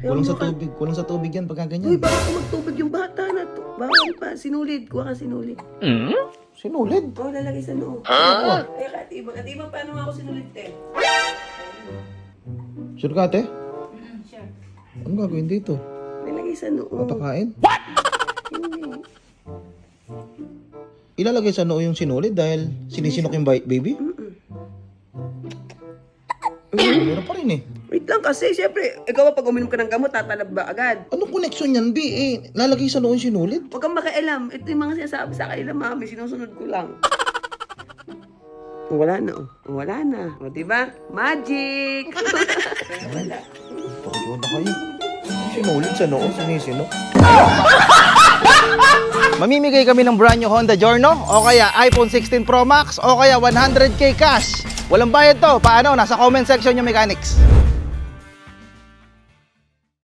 Kulang sa tubig yan pagka Uy, ganyan. bakit magtubig yung bata na to? Bawal pa. Sinulid. Kuha ka sinulid. Sinulid. Oo, lalagay sa noo. Ay, katibang. Katibang, paano nga ako sinulid, te? Sure ka, ate? Sure. Anong gagawin dito? Lalagay sa noo. Patakain? Hindi. Ilalagay sa noo yung sinulid dahil sinisinok yung baby? Meron pa rin eh. Wait lang kasi, syempre, ikaw pag uminom ka ng gamot, tatalab ba agad? Anong connection yan, B? Eh, lalagay sa noo yung sinulid? Huwag kang makialam. Ito yung mga sinasabi sa kanila, mami. Sinusunod ko lang. Wala na, oh. Wala na. O, diba? Magic! Wala. Pakagawa na kayo. Yung sinulid sa noo, sinisinok. Mamimigay kami ng brand new Honda Giorno o kaya iPhone 16 Pro Max o kaya 100k cash. Walang bayad to. Paano? Nasa comment section yung mechanics.